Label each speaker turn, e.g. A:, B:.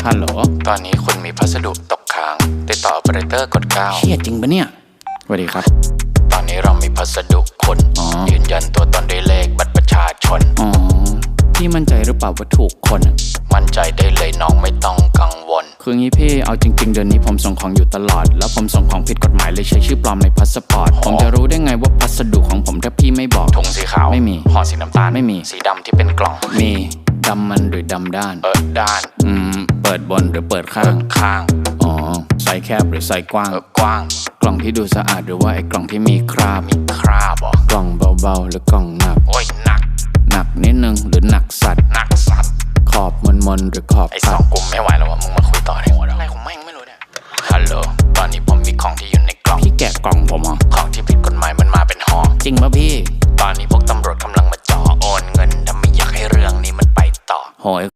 A: ฮัลโหล
B: ตอนนี้คุณมีพัสดุตกค้างติดต่อ operator กด9
A: เชี่ยจริงปะเนี่ยสวัสดีครับ
B: ตอนนี้เรามีพัสดุคุณยืนยันตัวตนด้วยเลขบัตรประชาชน
A: พี่มั่นใจหรือเปล่าว่าถูกคน
B: มั่นใจได้เลยน้องไม่ต้องกังวล
A: คืองี้พี่เอาจริงๆเดือนนี้ผมส่งของอยู่ตลอดแล้วผมส่งของผิดกฎหมายเลยใช้ชื่อปลอมในพาสปอร์ตผมจะรู้ได้ไงว่าพัสดุของผมถ้าพี่ไม่บอก
B: ถุงสีขาว
A: ไม่มี
B: ห่อสีน้ำตาล
A: ไม่มี
B: สีดำที่เป็นกล่อง
A: มีดำมันหรือดำด้าน
B: ด้าน
A: เปิดบนหรือเปิดข้างอ๋อไซส์แคบหรือไซส์กว้าง
B: กว้าง
A: กล่องที่ดูสะอาดหรือว่าไอ้กล่องที่มีคราบ
B: หรอก
A: ล่องเบาๆหรือกล่องหนัก
B: โอ้ยหนัก
A: นิดนึงหรือหนักสัตว์ขอบมนหรือขอบ
B: ไอ้2กลุ่มไม่ไหวแล้วว่ะมึงมาคุยต่อในหัวอะไรของแม่งไม่รู้เนี่ยฮัลโหลตอนนี้ผมมีของที่อยู่ในกล่อง
A: พี่แกะกล่องผมเหรอ
B: ของที่ผิดกฎหมายมันมาเป็นห่อ
A: จริงป่ะพี่
B: ตอนนี้พวกตำรวจกำลังมาจ่อโอนเงินถ้าไม่อยากให้เรื่องนี้มันไปต่อ
A: โหย